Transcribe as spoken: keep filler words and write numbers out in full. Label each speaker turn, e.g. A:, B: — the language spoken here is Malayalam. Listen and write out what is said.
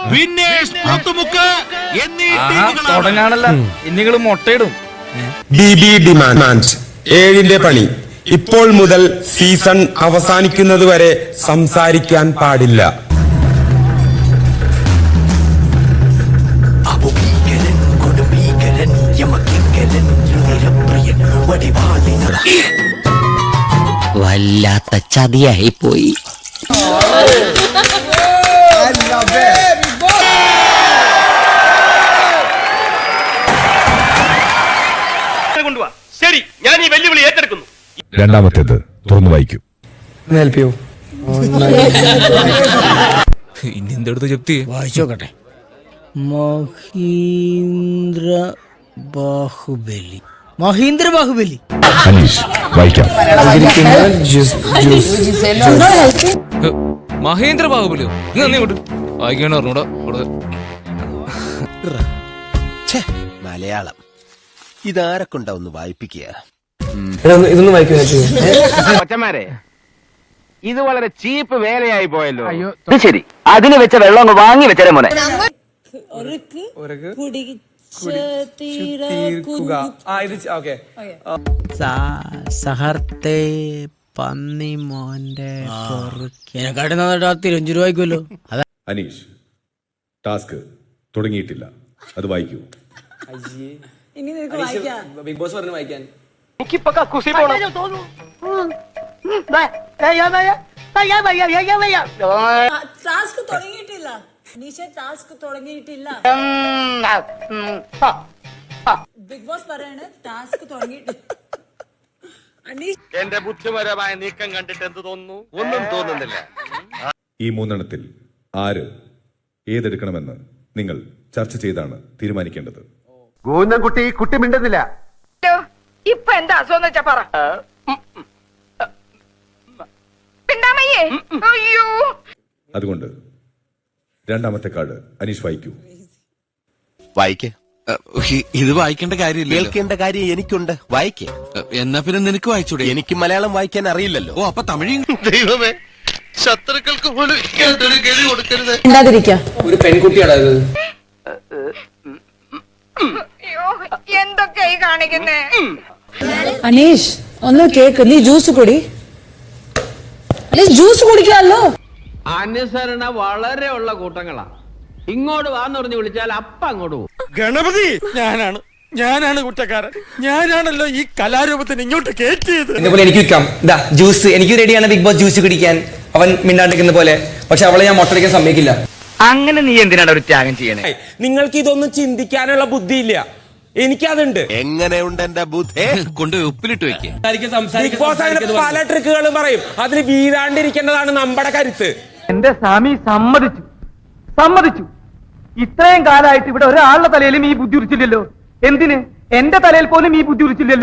A: തുടങ്ങാണല്ല ഇനിങ്ങള് മുട്ടയിടും.
B: ബി ബി ഡിമാൻഡ് ഏഴിന്റെ പണി. ഇപ്പോൾ മുതൽ സീസൺ അവസാനിക്കുന്നത് വരെ സംസാരിക്കാൻ പാടില്ല.
C: വല്ലാത്ത ചതിയായി പോയി.
D: ശരി, ഞാൻ ഈ വെല്ലുവിളി ഏറ്റെടുക്കുന്നു.
E: രണ്ടാമത്തേത് തുറന്നു വായിക്കൂ.
A: ഇനി എന്തെടുത്ത് ജപ്തി
C: വായിച്ചോക്കട്ടെ. മഹീന്ദ്ര ബാഹുബലി. മഹീന്ദ്ര ബാഹുബലി.
E: അനീഷ് വായിക്കാം.
A: മഹേന്ദ്ര ബാഹുബലിയോ? ഇങ്ങോട്ട് വായിക്കണ പറഞ്ഞൂടാ.
F: മലയാളം ഇതാരൊക്കെ ഉണ്ടാവുന്നു വായിപ്പിക്കുക.
G: ഇതൊന്നും വായിക്കാൻ
D: കൊച്ചന്മാരെ, ഇത് വളരെ ചീപ്പ് വേലയായി പോയല്ലോ.
H: ശരി, അതിന് വെച്ച വെള്ളം അങ്ങ് വാങ്ങി വെച്ചേ മോനെ.
C: സഹർത്തെ പന്നി മോന്റെ എന്നെക്കാട്ടി നന്നായിട്ട് തിരുവഞ്ചു വായിക്കുമല്ലോ.
E: അനീഷ്, ടാസ്ക് തുടങ്ങിയിട്ടില്ല, അത് വായിക്കൂ.
G: ബിഗ് ബോസ് പറഞ്ഞു വായിക്കാൻ.
D: എനിക്കിപ്പോ കക്കൂസി പോണം.
I: ടാസ്ക് തുടങ്ങിയിട്ടില്ല. ടാസ്ക് തുടങ്ങിയിട്ടില്ല. ബിഗ് ബോസ് പറയാണ് ടാസ്ക് തുടങ്ങിയിട്ടില്ല.
D: എന്റെ ബുദ്ധിപരമായ നീക്കം കണ്ടിട്ട് എന്ത് തോന്നുന്നു? ഒന്നും തോന്നുന്നില്ല.
E: ഈ മൂന്നെണ്ണത്തിൽ ആര് ഏതെടുക്കണമെന്ന് നിങ്ങൾ ചർച്ച ചെയ്താണ് തീരുമാനിക്കേണ്ടത്.
D: കുട്ടി കുട്ടി മിണ്ടുന്നില്ല.
I: ഇപ്പൊ എന്താ അസുഖം വെച്ചാ പറ.
E: അതുകൊണ്ട് രണ്ടാമത്തെ കാർഡ് അനീഷ് വായിക്കൂ.
F: വായിക്കേ.
H: ഇത് വായിക്കേണ്ട കാര്യമില്ല.
F: കേൾക്കേണ്ട കാര്യം എനിക്കുണ്ട്. വായിക്കേ.
H: എന്നാ പിന്നെ നിനക്ക് വായിച്ചൂടെ?
F: എനിക്ക് മലയാളം വായിക്കാൻ അറിയില്ലല്ലോ.
H: ഓ, അപ്പൊ തമിഴ്.
D: ദൈവമേ, ശത്രുക്കൾക്ക് പോലും കൊടുക്കരുത്.
G: ഒരു പെൺകുട്ടിയാണോ ഇത്?
I: എന്തൊക്കെയായി കാണിക്കുന്നേ?
J: അനീഷ് ഒന്ന് കേക്ക്. നീ ജ്യൂസ് കുടി. ജ്യൂസ് കുടിക്കാമല്ലോ.
K: അനുസരണ വളരെ ഉള്ള കൂട്ടങ്ങളാ. ഇങ്ങോട്ട് വാന്ന് പറഞ്ഞ് വിളിച്ചാൽ അപ്പ അങ്ങോട്ട് പോകും.
D: ഗണപതി, ഞാനാണ് ഞാനാണ് കുറ്റക്കാരൻ. ഞാനാണല്ലോ ഈ കലാരൂപത്തിന് ഇങ്ങോട്ട് കയറ്റിയത്.
G: എന്നെ എനിക്ക് വിൽക്കാം. ഇതാ ജ്യൂസ്. എനിക്ക് റെഡിയാണ് ബിഗ് ബോസ് ജ്യൂസ് കുടിക്കാൻ. അവൻ മിണ്ടാണ്ടിരിക്കുന്ന പോലെ. പക്ഷെ അവളെ ഞാൻ മുട്ടടിക്കാൻ സമ്മതിക്കില്ല.
H: അങ്ങനെ നീ എന്തിനാണ് ഒരു ത്യാഗം ചെയ്യണേ?
B: നിങ്ങൾക്ക് ഇതൊന്നും ചിന്തിക്കാനുള്ള ബുദ്ധിയില്ല, എനിക്കതുണ്ട്.
F: എങ്ങനെയുണ്ട് എന്റെ ബുദ്ധി?
H: കൊണ്ടുപോയി ഉപ്പിലിട്ട് വെക്കേ.
B: ബിഗ് ബോസ് അങ്ങനെ പല ട്രിക്കുകളും പറയും. അതിന് വീഴാണ്ടിരിക്കേണ്ടതാണ് നമ്മുടെ കരുത്ത്.
K: എന്റെ സ്വാമി സമ്മതിച്ചു സമ്മതിച്ചു ഇത്രയും കാലമായിട്ട് ഇവിടെ ഒരാളുടെ തലയിലും ഈ ബുദ്ധി ഉരിച്ചില്ലല്ലോ. എന്തിന്? എന്റെ തലയിൽ പോലും ഈ ബുദ്ധി ഉരിച്ചില്ലല്ലോ.